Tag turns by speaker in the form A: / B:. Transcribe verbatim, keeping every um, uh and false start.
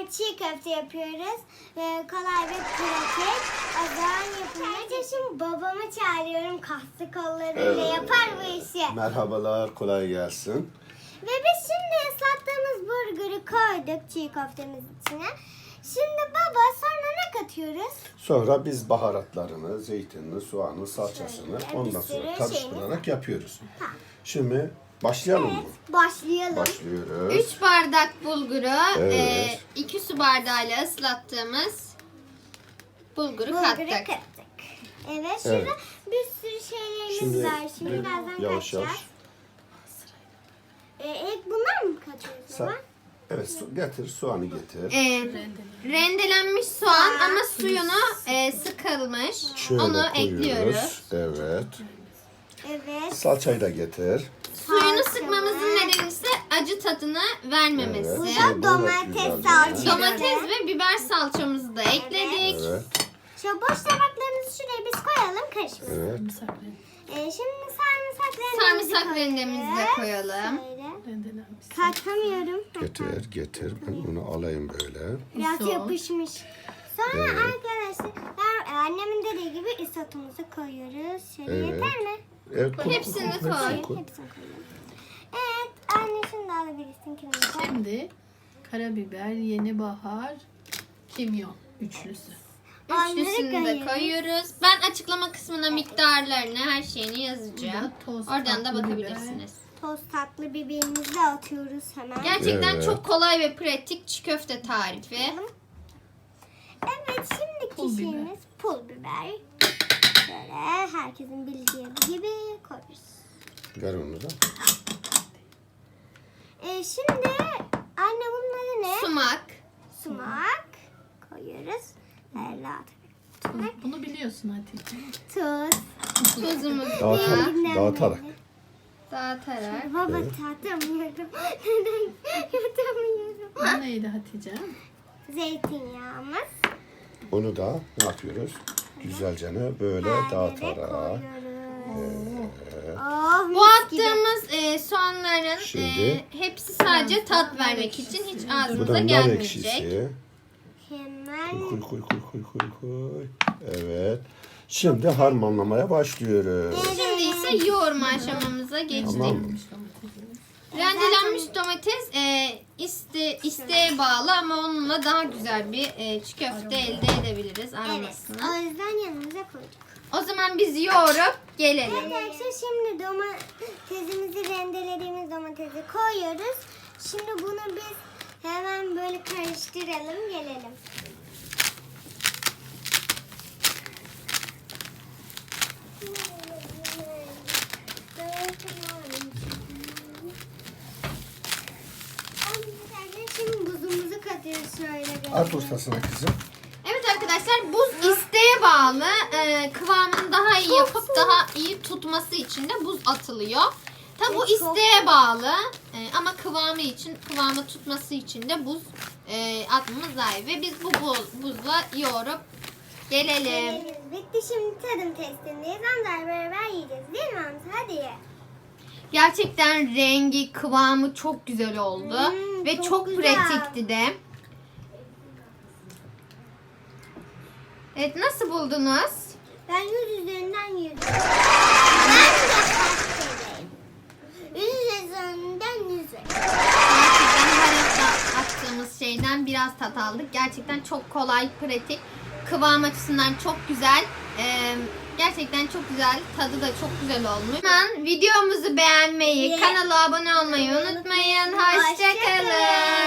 A: çiğ köfte yapıyoruz. Ve kolay ve pratik. O zaman yapılınca şimdi babamı çağırıyorum. Kaslı kollarıyla
B: Evet.
A: yapar bu işi.
B: Merhabalar, kolay gelsin.
A: Ve biz şimdi ıslattığımız burgeri koyduk çiğ köftemiz içine. Şimdi baba sonra ne katıyoruz?
B: Sonra biz baharatlarını, zeytinini, soğanı, salçasını
A: Şöyle,
B: ondan
A: bir
B: sonra
A: sürü
B: karıştırarak yapıyoruz.
A: Tamam.
B: Şimdi başlayalım mı?
A: Evet, başlayalım.
B: Başlıyoruz.
C: üç bardak bulguru,
B: Evet.
C: iki su bardağıyla ıslattığımız bulguru
A: Bulguru
C: kattık.
A: kattık. Evet, şurada
B: Evet.
A: bir sürü şeylerimiz
B: Şimdi
A: var. Şimdi
B: bir-
A: birazdan
B: yavaş
A: katacağız.
B: yavaş.
A: Ee, ilk bunlar mı katıyoruz
B: Sen,
A: baba?
B: evet, su, getir, soğanı getir.
C: Ee, rendelenmiş soğan
A: Aa,
C: ama suyunu e, sıkılmış.
B: Şöyle
C: Onu
B: koyuyoruz.
C: ekliyoruz.
B: Evet.
A: Evet.
B: Salçayı da getir.
C: Suyunu
A: Salça
C: sıkmamızın
A: var.
C: nedeni ise acı tadını vermemesi.
B: Evet.
A: Bu
B: Şimdi
A: da
B: bu da
A: domates
B: güzel
A: salçası.
B: bir-
C: Domates ve biber salçamızı da ekledik.
B: Evet.
A: Şu boş tabaklarımızı şuraya biz koyalım karışmasın.
B: Evet.
A: Ee, şimdi sarımsak rendemizi
C: Sarımsak rendemizi de koyalım.
A: Şöyle. Katamıyorum.
B: Getir, getir. Ben bunu alayım böyle.
A: Biraz
D: Isot.
A: yapışmış. Sonra
B: Evet.
A: arkadaşlar annemin dediği gibi isotumuzu koyuyoruz. Şöyle
B: Evet.
A: yeter mi?
B: Evet, koy,
C: Hepsini
B: koy,
C: koy.
A: Hepsini koyalım. Evet anne şimdi alabilirsin kimini.
D: Şimdi karabiber, yeni bahar, kimyon üçlüsü.
C: Üçlüsünü de
A: Onları
C: koyuyoruz. Ben açıklama kısmına miktarlarını, her şeyini yazacağım.
D: Bu da toz
C: Oradan da
D: tatlı
C: bakabilirsiniz.
A: Toz tatlı biberimizi de atıyoruz hemen.
C: Gerçekten
B: Evet.
C: çok kolay ve pratik çiğ köfte tarifi.
A: Evet şimdiki
D: Pul biber.
A: şeyimiz pul biber. Böyle herkesin bildiği gibi koyuyoruz.
B: Ver onu da.
A: Ee, şimdi anne bunları ne?
C: Sumak.
A: Sumak koyuyoruz. Böyle atıyoruz.
D: Bunu biliyorsun Hatice.
A: Tuz.
C: Tuzumuzu
B: Dağıtarak,
A: Elinden
B: dağıtarak.
A: böyle.
C: dağıtarak.
A: Baba tatamıyorum. Neden yutamıyorum?
D: Bu neydi Hatice?
A: Zeytinyağımız.
B: Onu da ne yapıyoruz? Güzelce böyle
A: Her yere
B: dağıtarak.
A: koyuyoruz. Oh,
C: Bu
A: mis gibi.
C: attığımız e, soğanların
B: Şimdi-
C: e, hepsi sadece tat vermek için hiç
B: Bu
C: ağzımıza
B: da nar
C: gelmeyecek.
B: ekşisi.
A: Hemen
B: Koy koy koy koy koy koy. Evet. Şimdi harmanlamaya başlıyoruz.
C: Şimdi ise yoğurma aşamamıza geçtik.
B: Tamam.
C: Rendelenmiş domates e, iste, isteğe bağlı ama onunla daha güzel bir e, çiğ köfte elde edebiliriz
A: evet.
C: aromasını.
A: O yüzden yanımıza koyduk.
C: O zaman biz yoğurup gelelim.
A: Arkadaşlar şimdi domatesimizi rendelediğimiz domatesi koyuyoruz. Şimdi bunu biz hemen böyle karıştıralım gelelim. Şimdi buzumuzu katıyoruz şöyle.
B: At ortasına kızım.
C: Evet arkadaşlar buz isteğe bağlı. E, kıvamını daha iyi yapıp daha iyi tutması için de buz atılıyor. Tabi bu
A: Ve çok-
C: isteğe bağlı E, ama kıvamı için, kıvamı tutması için de buz e, atmamız lazım. Ve biz bu buz, buzla yoğurup gelelim.
A: Bitti şimdi tadım testindeyiz. Amcar beraber yiyeceğiz değil mi Hamza? Hadi ye.
C: Gerçekten rengi, kıvamı çok güzel oldu.
A: Hmm,
C: Ve
A: çok
C: çok,
A: güzel.
C: pratikti de. Evet nasıl buldunuz?
A: Ben yüz üzerinden yüz. Ben de kaç vereyim? Yüz üzerinden yüz vereyim.
C: Gerçekten her attığımız şeyden biraz tat aldık. Gerçekten çok kolay, pratik. Kıvam açısından çok güzel. Ee, gerçekten çok güzel. Tadı da çok güzel olmuş. Hemen videomuzu beğenmeyi,
A: Ve-
C: kanala abone olmayı unutmayın. Hoşçakalın.
A: Hoşça kalın.